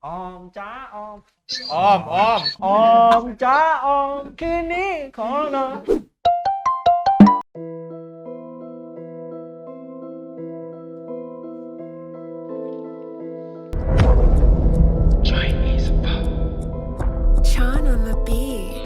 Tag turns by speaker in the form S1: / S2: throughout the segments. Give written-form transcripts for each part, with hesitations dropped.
S1: ออมจ้าออม
S2: อ้อมอ้อม
S1: ออมจ้าออมคืนนี้ขอนอน
S3: Sean on the beat.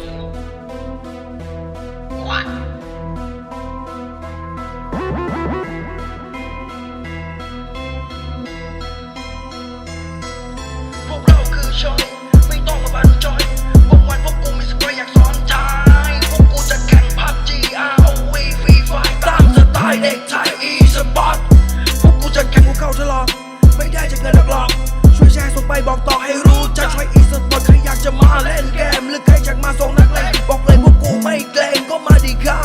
S4: พวกเราคือชอยไม่ต้องมาบันจอยวันพวกกูมีสกอยอยากสอนใจพวกกูจะแข่งพับ GROV ฟรีไฟตามสไตล์เด็กไทย e-sport พวกกูจะแข่งกูเข้าทดลองไม่ได้จะเงินหรอกช่วยแชร์ส่งไปบอกต่อให้รู้จะช่วย e-sport ใครอยากจะมาเล่นเกมหรือใครอยากมาส่งนักเลงบอกเลยพวกกูไม่เกรงก็มาดีครับ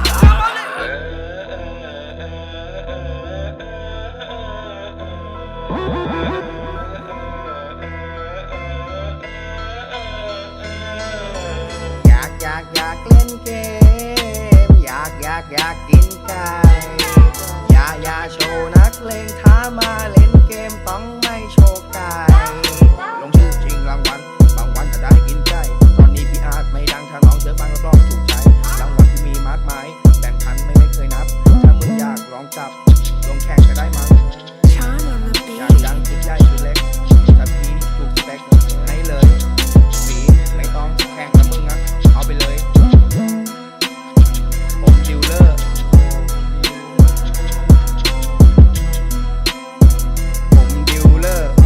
S5: อยากเล่นเกมอยากกินไก่อย่าโชว์นักเลงท้ามาเล่นเกมต้องไม่โชว์ไก่ลงชื่อชิงรางวัลบางวันจะได้กินไก่ตอนนี้พี่อาจไม่ดังถ้าน้องเชื่อฟังรับรองถูกใจรางวัลที่มีมากมายแบ่งพันไม่เคยนับถ้ามึงอยากลองจับลงแข่งก็ได้มั้ง
S3: Sean on the
S5: อยาก
S3: beat.
S5: ดังคิดใหญ่คิดเล็กถ้าพี่ถูกสเปคให้เลยปีไม่ต้องแข่งกับมึงนะเอาไปเลยผมดิวเลอร์ผมดิวเลอร์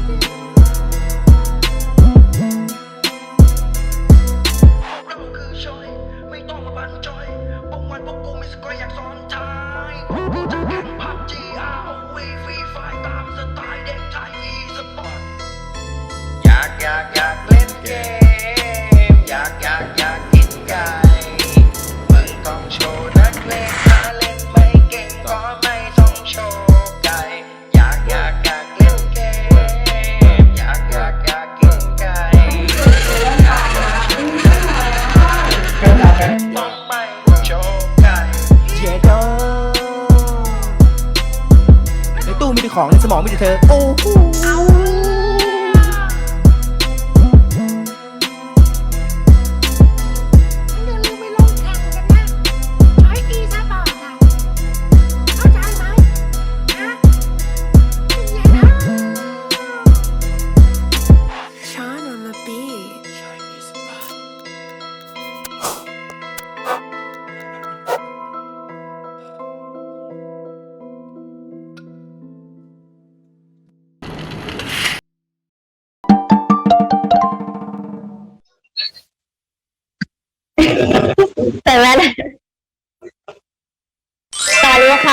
S4: เราคือชอยไม่ต้องมาบันจอยวันพวกกูมีสกอยอยากสอนใจพวกกูจะแข่งพับ GROV ฟรีไฟตามสไตล์เด็กไทย e-sport
S5: อยากเล่นเกมอยากกินไก่มึงต้องโชว์นักเลงถ้าเล่นไม่เก่งก็ไม่ต้องโชว์ไก่อยากเล่นเกมอยากกินไก่ต้องไม่โชว์ไก่เย้โดในตู้มีแต่ของในสมองมีแต่เธอโอ้โห
S6: อย่าลืมไปลงแข่งกันนะใช้อีสปอร์ตอะเข้าใจไหมนะเป็นไงนะ
S3: Sean on the beat.
S7: แต่แม่สวัสดีค่ะ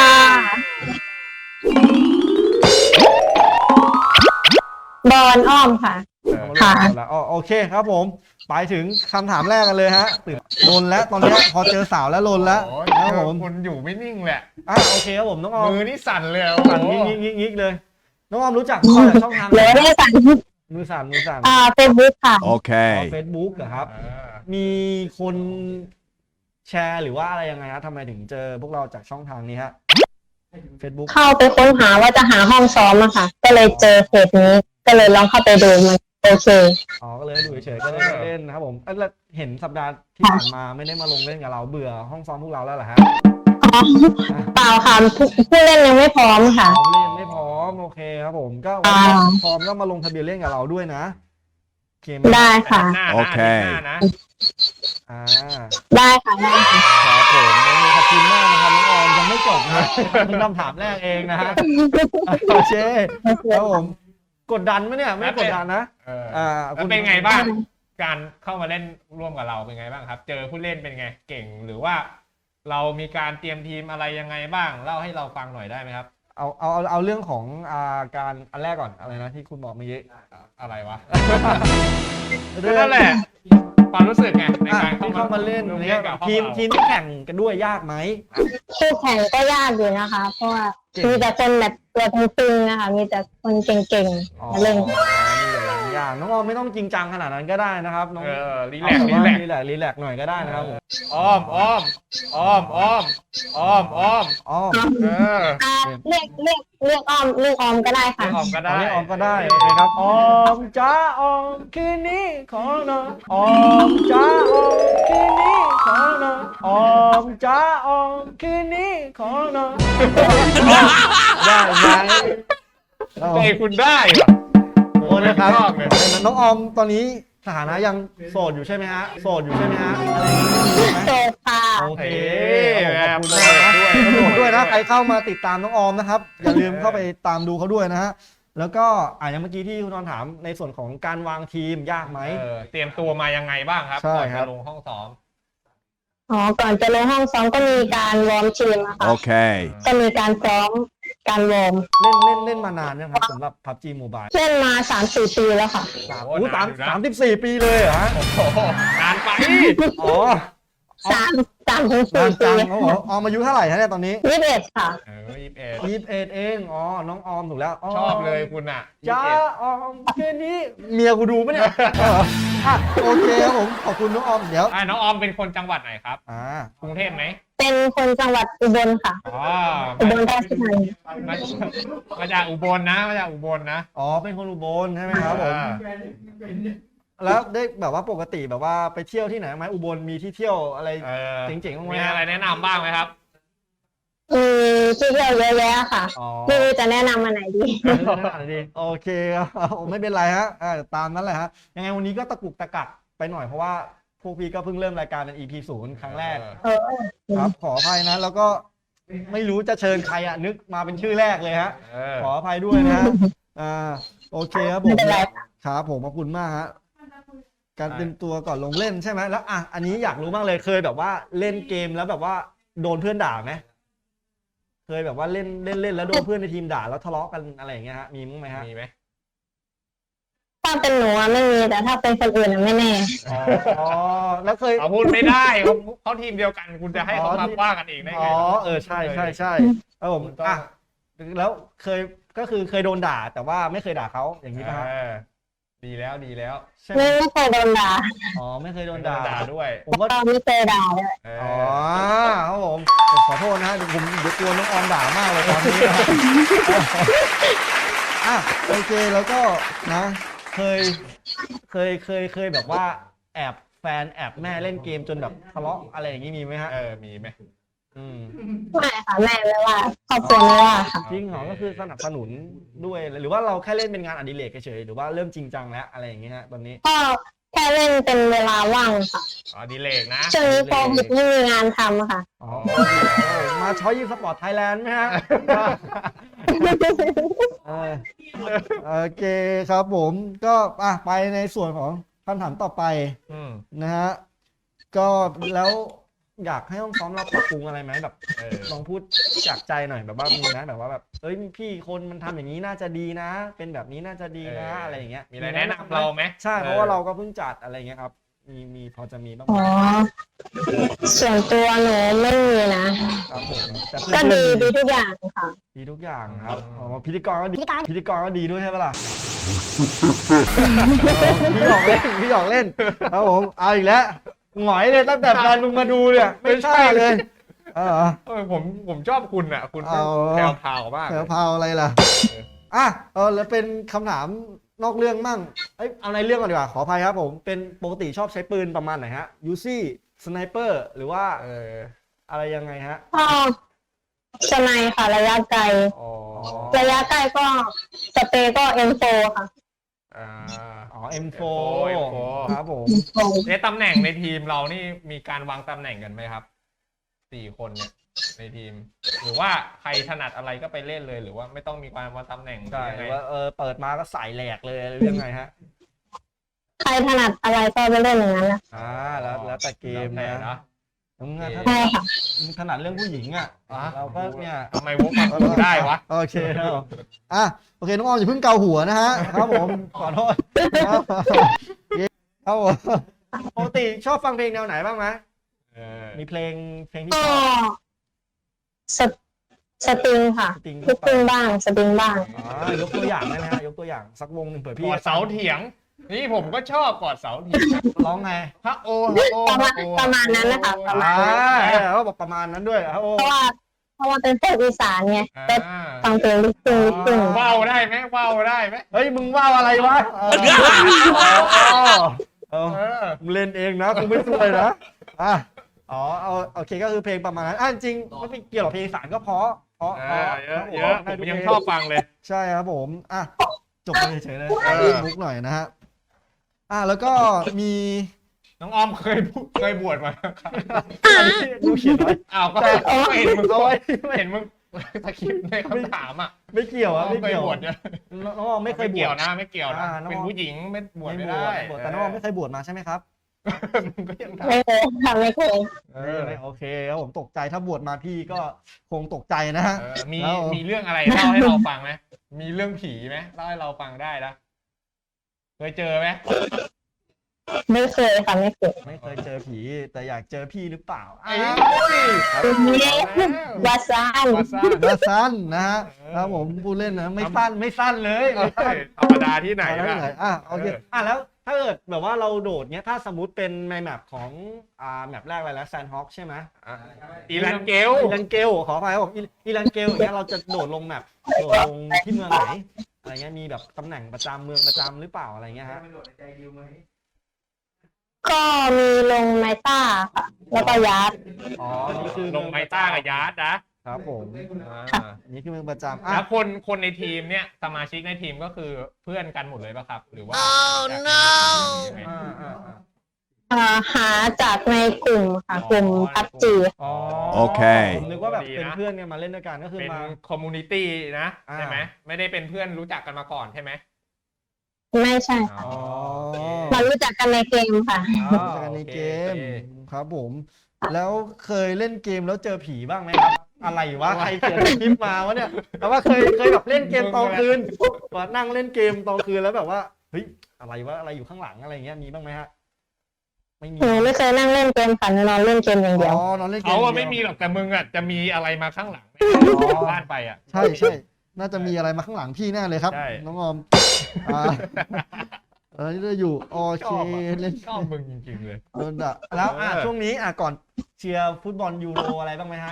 S7: บอลอ้อมค่ะ ค่ะ
S1: โอเคครับผมไปถึงคำถามแรกกันเลยฮะตื่นลนแล้วตอนนี้พอเจอสาวแล้วลนแล้ว
S2: โอ้ย
S1: ครับผม
S2: คุณอยู่ไม่นิ่งแหละ
S1: โอเคครับผมน้องออม
S2: มือนี่สั่นเลย
S1: สั่นงิกเลยน้องออมรู้จักข้อจากช่องทาง
S7: เลยได้สั่ง
S1: มือสั่น
S7: เฟซบุ๊กค่ะ
S1: เฟซบุ๊กเหรอครับ มีคนแชร์หรือว่าอะไรยังไงฮะทำไมถึงเจอพวกเราจากช่องทางนี้ฮะ Facebook
S7: เข้าไปค้นหาว่าจะหาห้องซ้อมอะค่ะ ก็เลยเจอเพจนี้ ก็เลยลองเข้าไปดูมันโอเค
S1: ก็เลยดูเฉยๆก็เลยมาเล่นนะครับผมแล้วเห็นสัปดาห์ที่ผ่านมาไม่ได้มาลงเล่นกับเราเบื่อห้องซ้อมพวกเราแล้วเหรอฮะ
S7: อ๋อเปล่าค่ะผู้เล่นยังไม่พร้อมค่ะ
S1: พร้อมเล่นไม่พร้อมโอเคครับผมก็วันนี้พร้อมก็มาลงทะเบียนเล่นกับเราด้วยนะโอเคไหม
S7: ได้ค่ะ
S2: โอเคนะ
S7: ได้ค่ะได้ค่ะ
S1: ครับผมขอบคุณมากนะครับน้องออมยังไม่จบนะมีคำถามแรกเองนะฮะโอเคครับผมกดดันไหมเนี่ยไม่กดดันนะ
S2: แล้วเป็นไงบ้างการเข้ามาเล่นร่วมกับเราเป็นไงบ้างครับ เจอผู้เล่นเป็นไงเก่งหรือว่า เรามีการเตรียมทีมอะไรยังไงบ้างเล่าให้เราฟังหน่อยได้ไหมครับ
S1: เอาเรื่องของการอันแรกก่อนอะไรนะที่คุณบอกเมื่อกี้
S2: อะไรวะ
S1: เรื่อง
S2: นั่นแหละความรู้สึกไงในการ
S1: ที่เข้ามาเล่น
S2: ร่วม
S1: เนี่ย
S2: กับ
S1: ทีมที่แข่งกันด้วยยากไหม
S7: คู่แข่งก็ยากอยู่นะคะ เพราะว่ามีแต่คนแบบตัวตึงๆนะคะ มีแต่คนเก่งๆมาเล่น
S1: นี่แหละอย่างน้องออมไม่ต้องจริงจังขนาดนั้นก็ได้นะครับน้อง
S2: รีแลกซ์รีแลกซ์
S1: รีแลกซ์หน่อยก็ได้นะครับผม
S2: อ้อมอ้อมอ้อมอ้อมอ้อมอ้อม
S1: อ้อม
S7: เรียกออมก็ได้ค่ะ
S2: ออมก็ได้
S1: เรียกออมก็ได้โอเคครับออมจ้าออมคืนนี้ขอนอนออมจ้าออมคืนนี้ขอนอนออมจ้าออมคืนนี้ขอนอนได้ไหม
S2: ใจคุณได้เหรอ
S1: โอ้นะครับ
S2: ชอบเลย
S1: น้องออมตอนนี้สถานะยังโสดอยู่ใช่ไหมฮะโสดอยู่ใช่ไหมฮะอะไรอย่างนี้มีไหม
S7: โซฟา
S1: โอเค
S2: แอบ
S1: ขอบคุณมากนะ
S2: ด้วย
S1: ขอบคุณด้วยนะใครเข้ามาติดตามน้องออมนะครับอย่าลืมเข้าไปตามดูเขาด้วยนะฮะแล้วก็อย่างเมื่อกี้ที่คุณนอนถามในส่วนของการวางทีมยากไหม
S2: เตรียมตัวมายังไงบ้างครับ
S1: ใช่
S2: ก่อน
S1: ครับ
S2: จะลงห้องซ้อม
S7: อ๋อ ก่อนจะลงห้องซ้อมก็มีการวอร์มทีมอะค่ะ
S8: Okay.
S7: ก็มีการซ้อมการวอร์ม
S1: เล่นมานานยังครับสำหรับ PUBG Mobile
S7: เล่นมา 3-4 ปีแล้วค่ะ
S2: โอ้
S1: สาม
S2: นานอยู่นะ
S1: 34 ปีเลยเหรอฮะ
S2: โอ้โหนานไป
S1: อ๋อ
S7: 3-4
S1: นาน
S7: ปี
S1: จังเขาบอกออมอายุเท่าไหร่ฮะเนี่ยตอนนี้
S7: 21 ค่ะ
S2: 21
S1: 21เองอ๋อน้องออมถูกแล้ว
S2: ชอบเลยคุณอ่ะ
S1: จ้าออมแค่นี้เมียกูดูปะเนี่ยโอเคครับผมขอบคุณน้องออมเดี๋ยว
S2: น้องออมเป็นคนจังหวัดไหนครับ กรุงเทพไหม
S7: เป็นคนจังหวัดอุบลค่ะ
S2: อ๋อ
S7: อุบลราชธานี
S2: มาจากอุบลนะมาจากอุบลนะ
S1: อ๋อเป็นคนอุบลใช่ไหมครับผมแล้วได้แบบว่าปกติแบบว่าไปเที่ยวที่ไหนไหมอุบลมีที่เที่ยวอะไร เจ๋งๆบ้างไหม
S2: มีอะไรแนะนำบ้างไหมครับ
S7: มีที่เที่ยวเยอะแยะค่ะ
S1: อ๋อ
S7: ไม่รู้จะแนะนำมาไหนดี
S1: ดีโอเคครับไม่เป็นไรฮะตามนั้นแหละฮะยังไงวันนี้ก็ตะกุกตะกักไปหน่อยเพราะว่าพวกพี่ก็เพิ่งเริ่มรายการเป็น EP 0ครั้งแรก
S7: เออ
S1: ครับขออภัยนะแล้วก็ไม่รู้จะเชิญใครนึกมาเป็นชื่อแรกเลยฮะขออภัยด้วยนะฮะโอเคครับผม
S7: ไม่เป็นไรค่ะ
S1: ครับผมขอบคุณมากฮะการเตรียมตัวก่อนลงเล่นใช่ไหมแล้วอันนี้อยากรู้บ้างเลยเคยแบบว่าเล่นเกมแล้วแบบว่าโดนเพื่อนด่าไหมเคยแบบว่าเล่นแล้วโดนเพื่อนในทีมด่าแล้วทะเลาะกันอะไรอย่างเงี้ยฮะมีมั้งไหมฮะ
S2: มีไหม
S7: ถ้าเป็นหนูอะไม่มีแต่ถ้าเป็นคนอื่นอะไม่แน่
S1: อ๋อแล้วเคย
S2: เอาพูดไม่ได้เขาทีมเดียวกันคุณจะให้เขามาว่ากันเองได้ไง
S1: ใช่ครับผมแล้วเคยโดนด่าแต่ว่าไม่เคยด่าเขาอย่างนี้ป่ะฮะ
S2: ดีแล้วดีแล้ว
S1: ใช่ไหม
S7: ไม่เคยโดนด่า
S1: อ๋อไม่เคยโดน
S2: ด่า
S1: ด่า
S2: ด้วย
S1: ผมก็
S7: ก็ไม่เคยด่าเลย
S1: อ๋อครับผมขอโทษนะฮะเดี๋ยวกลัวน้องออมด่ามากเลยตอนนี้นะโอเคแล้วก็นะเคยแบบว่าแอบแฟนแอบแม่เล่นเกมจนแบบทะเลาะอะไรอย่างนี้มีไหมฮะ
S2: มีไหม
S7: ไม่ค่ะแม่ไม่ว่าครอบครัวไม่ว่าค่ะ
S1: จริงเหรอก็คือสนับสนุนด้วยหรือว่าเราแค่เล่นเป็นงานอดิเรกเฉยๆหรือว่าเริ่มจริงจังแล้วอะไรอย่างเงี้ยฮะตอนนี้
S7: ก็แค่เล่นเป็นเวลาว่างค่ะ
S2: ดีเลกนะ
S7: ช่วงนี้โควิดไม่มีงานทำค่ะ
S1: อ๋อมาช้อยยิงสปอร์ตไทยแลนด์ไหมฮะโอเคครับผมก็ไปในส่วนของคำถามต่อไปนะฮะก็แล้วอยากให้ห้องซ้อมเราปรับปรุงอะไรไหมแบบลองพูดจากใจหน่อยแบบว่ามีนะแบบว่าแบบพี่คนมันทำอย่างนี้น่าจะดีนะ เป็นแบบนี้น่าจะดีนะอะไรอย่างเงี้ย
S2: มีอะไรแนะนำเราไหม
S1: ใช่เพราะว่าเราก็เพิ่งจัดอะไรเงี้ยครับมีพอจะมีบ้างไหม
S7: อ๋อ ส่วนตัวหนูไม่มีนะครับ
S1: ผมแต่เพื่
S7: ก็
S1: อน
S7: ดี
S1: ๆ
S7: ดีทุกอย่างค่ะ
S1: ดีทุกอย่างครับอ๋อพิธีกรก็ดีพิธีกรก็ดีด้วยใช่ปะล่ะพี่หยอกเล่นครับผมเอาอีกแล้วหงอยเลยตั้งแต่แฟนมึงมาดูเนี่ยไม่ใช่เลย
S2: ผมชอบคุณอ่ะคุณแถวพาวมาก
S1: แถวพาวอะไรล่ะแล้วเป็นคำถามนอกเรื่องมั่งเอาในเรื่องก่อนดีกว่าขออภัยครับผมเป็นปกติชอบใช้ปืนประมาณไหนฮะยูซี่สไนเปอร์หรือว่าอะไรยังไงฮะ
S7: ก็สไนค่ะระยะไกล ระยะใกล้ก็สเปรย์ก็ M4 ค่ะ
S1: M4 ครับผม
S2: ในตำแหน่งในทีมเรานี่มีการวางตำแหน่งกันไหมครับ4 คนเนี่ยในทีม หรือว่าใครถนัดอะไรก็ไปเล่นเลยหรือว่าไม่ต้องมีการวางตำแหน่ง
S1: ใช่
S2: ยังไง
S1: ว่าเปิดมาก็ใส่แหลกเลยหรือยังไงฮะ
S7: ใครถนัดอะไรก็ไปเล่นอย่างนั้นแหละ
S1: แล้วแต่เกมนะถ้า
S7: ใช่ค่ะ
S1: ถนัดเรื่องผู้หญิงเราก็เนี่ย
S2: ทำไมวกมาพูดได้วะ
S1: โอเคครับโอเคน้องออมอย่าเพิ่งเกาหัวนะฮะครับผมขอโทษครับผมปกติชอบฟังเพลงแนวไหนบ้างไหมมีเพลงที่
S7: ก็
S1: ชอบ
S7: สตริงค่ะลูกทุ่งบ้างสตริงบ้าง
S1: ยกตัวอย่างได้ไหมฮะยกตัวอย่างสักวงหนึ่งเผื่อพี่
S2: กอดเสาเถียงนี่ผมก็ชอบกอดเสาที
S1: ร้องไง
S2: พระโอพระโอ
S7: ประมาณนั้นนะคะประมาณ
S1: เขาบอกประมาณนั้นด้วยโอ้
S7: เพราะว่าเป็นเพลงอีสานไงแต่
S2: อ่า
S7: ฟังเพลงลูกทุ่งลูกทุ่ง
S2: ว่าวได้ไหมว่าวได้ไหม
S1: เฮ้ยมึงว่าวอะไรวะมึงเล่นเองนะกูไม่ช่วยนะอ๋อโอเคก็คือเพลงประมาณนั้นจริงไม่เกี่ยวกับเพลงอีสานก็เพราะ
S2: เยอะผมยังชอบฟังเลย
S1: ใช่ครับผมจบไปเฉยๆเลยมุกหน่อยนะฮะแล้วก็มี
S2: น้องออมเคยบวชมาครับ
S1: กูเขียนไว้
S2: อ้าวก็เห็นมึง
S1: เอาไว้
S2: เห็นมึงสคริปต์ในคำถามอ่ะ
S1: ไม่เกี่ยวไม่
S2: เคย
S1: เกี่ยว
S2: บวชเนี่ย
S1: น้องออมไม่เคยบว
S2: เกี่
S1: ช
S2: ยวนะไม่เกี่ยวนะ
S1: น้องออม
S2: เป็นผู้หญิงไม่บวชไม่ได้
S1: แต่น้องออมไม่เคยบวชมาใช่ไหมครับ
S2: มึงก็ยัง
S7: ไม่เคยค่ะไม่เคย
S1: โอเคครับผมตกใจถ้าบวชมาพี่ก็คงตกใจนะฮะ
S2: มีเรื่องอะไรเล่าให้เราฟังไหมมีเรื่องผีไหมเล่าให้เราฟังได้นะเคยเจอไหม
S7: ไม่เคยค่ะไม่เคย
S1: ไม่เคยเจอผีแต่อยากเจอพี่หรือเปล่า
S7: วาซาน
S2: วาซ่า
S1: เดสั้นนะฮะครับผมพูดเล่นนะไม่สั้นเลยไม่สั้น
S2: ธรรมดาที่ไหน
S1: แล้ว
S2: ล่ะ
S1: ไหนโอเคแล้วถ้าเกิดแบบว่าเราโดดเนี้ยถ้าสมมติเป็นในแมปของแมปแรกอะไรแล้วแซนฮอคใช่ไหม
S2: อีรันเกล
S1: อีรันเกลขออภัยครับผมอีรันเกลอย่างเงี้ยเราจะโดดลงแมปโดดลงที่เมืองไหนอะไรเงี้ยมีแบบตำแหน่งประจำเมืองประจำหรือเปล่าอะไรเงี้ยฮะ
S7: ก็มีลงไมต้าค่ะ แล้วก็ยัด
S1: นี่คือ
S2: ลงไมต้ากับยาร์ดนะครับ
S1: ผมนี่คือเมืองประจำ
S2: แล้วคนในทีมเนี่ยสมาชิกในทีมก็คือเพื่อนกันหมดเลยป่ะครับ หรือว่า
S7: หาจากในกลุ่มค่ะกลุ่มพับจี
S1: โอเคผมนึกว่าแบบเป็นเพื่อนกันมาเล่นด้วยกันก็คือ
S2: เป็น
S1: มา
S2: คอมมูนิตี้นะใช่ไหมไม่ได้เป็นเพื่อนรู้จักกันมาก่อนใช่ไหม
S7: ไม่ใช่ค่ะมารู้จักกันในเกมค่ะ
S1: รู้จักกันในเกมครับผม แล้วเคยเล่นเกมแล้วเจอผีบ้างไหมครับ อะไรวะใครเขียนคลิปมาวะเนี่ยแต่ว่าเคยแบบเล่นเกมตอนคืนว่านั่งเล่นเกมตอนคืนแล้วแบบว่าเฮ้ยอะไรวะอะไรอยู่ข้างหลังอะไรเงี้ยมีบ้างไหมฮะไม่มี
S7: หนูไม่เคยนั่งเล่นเกมค่ะหนูนอนเล่นเกมอย่างเดียวน
S1: อนเล่นเกม
S2: เขาอะไม่มีหรอกแต่มึงอะจะมีอะไรมาข้างหลังบ้านไปอะ
S1: ใช่น่าจะมีอะไรมาข้างหลังพี่แน่เลยครับ
S2: ใช่
S1: น้องออมนี่เราอยู่โอเคเล่น
S2: ชอบมึงจริงๆเลย
S1: โดนด่าแล้วช่วงนี้ก่อนเชียร์ฟุตบอลยูโรอะไรบ้างไหมฮะ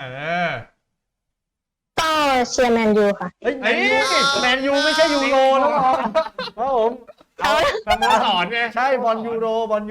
S7: ก็เชียร์แมนยูค่ะ
S1: เฮ้ยแมนยูไม่ใช่ยูโรน้องออมครับผม
S2: สโมสรไง
S1: ใช่บอลยูโร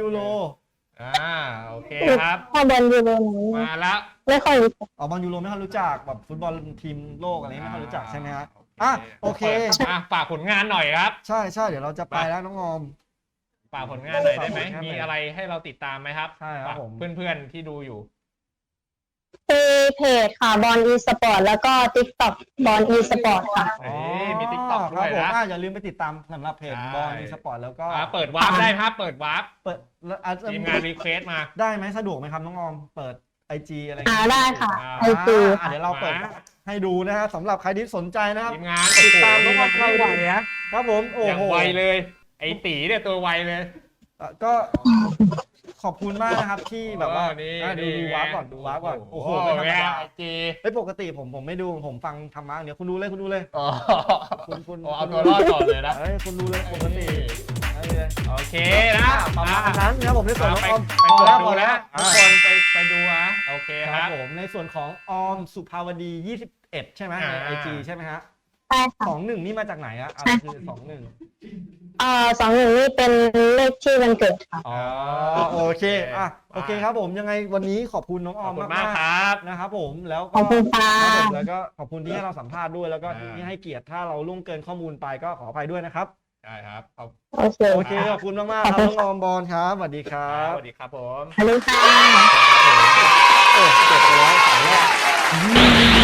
S2: โอเคครับ
S7: ถ้าบอลยูโรหนู
S2: มาแล้ว
S7: ไม่ค่อยรู้จัก
S1: บอลยูโรไม่ค่อยรู้จักแบบฟุตบอลทีมโลกอะไรไม่ค่อยรู้จักใช่ไหมฮะโอเค
S2: ฝากผลงานหน่อยครับ
S1: ใช่เดี๋ยวเราจะไปแล้วน้องออม
S2: ฝากผลงานหน่อยได้ไหม
S1: ฝากผลงานหน่อย
S2: มีอะไรให้เราติดตามไหมครับ
S1: ใช่ครับผม
S2: เพื่อนๆที่ดูอยู่
S7: มีเพจค่ะบอลอีสปอร์ตแล้วก็ติ๊กต็อกบอลอีสปอร์ตค่ะ
S2: มี TikTok ด้วย
S1: ครับ
S2: นะ
S1: ผมอย่าลืมไปติดตามสำหรับเพจ
S2: ใช่
S1: บอลอีสปอร์ตแล้วก็
S2: เปิดวาร์ปได้ครับ เปิดวาร์ป
S1: เปิดแล้วอาจจะ
S2: ทีมงานรีเควสมา
S1: ได้ไหมสะดวกไหมครับน้องออมเปิด IG อะไร
S7: ได้ค่ะ
S2: อ่า
S7: ไอจี
S1: เดี๋ยวเราเปิดให้ดูนะฮะสำหรับใครที่สนใจนะครับ
S2: ทีมงาน
S1: ติดตามน้องออม
S2: เข้า
S1: เข้า
S2: ไว
S1: ดู
S2: นะครับ
S1: ผมโอ้
S2: อย่าง
S1: โห
S2: ไวเลย ไอ้ตีเนี่ยตัวไวเลย
S1: ก็ขอบคุณมากนะครับที่แบบว่า
S2: นี่
S1: ดูวาร์ปก่อนดูวาร์ปก่อนโอ้โหไม่ธรรมดา
S2: ไอจี
S1: ปกติผมไม่ดูผมฟังธรรมะเดี๋ยวคุณดูเลยคุณ
S2: เอาตัวรอดก่อนเลยนะ
S1: คุณดูเลยปกติเลย
S2: โอเคนะ
S1: ประมาณนั้นนะครับผมในส่วนของออม
S2: ไปกดดูแล้วทุกคนไปดูนะโอเค
S1: ค
S2: ค
S1: รั
S2: รั
S1: บบ ผมในส่วนของออมสุภาวดี21ใช่ไหมใน IG ใช่ไหมฮะ
S7: ใช่ค่ะ
S1: 21นี่มาจากไหนอะอะไรคือ21
S7: 21นี่เป็นเลขที่วันเกิดค่ะ
S1: อ๋อโอเคโอเคครับผมยังไงวันนี้ขอบคุณน้องอ
S2: ข
S1: อ
S2: อบ
S1: ม
S2: คุณ
S1: มาม
S2: าก
S1: ก
S2: ครับ
S1: ๆนะครับผมแล้ว
S7: ขอบคุณค่ะ
S1: แล้วก็ขอบคุณที่ให้เราสัมภาษณ์ด้วยแล้วก็ที่ให้เกียรติถ้าเราล่วงเกินข้อมูลไปก็ขออภัยด้วยนะครับ
S2: ได้ครับ
S7: โอเค
S1: โอเคขอบคุณมากๆครับน้องออมบอลครับสวัสดีครั
S2: ส
S1: บ
S2: วัสดีครับผม
S7: ฮัลโหลค่ะ
S1: เจ็บไปแล้วสายแรก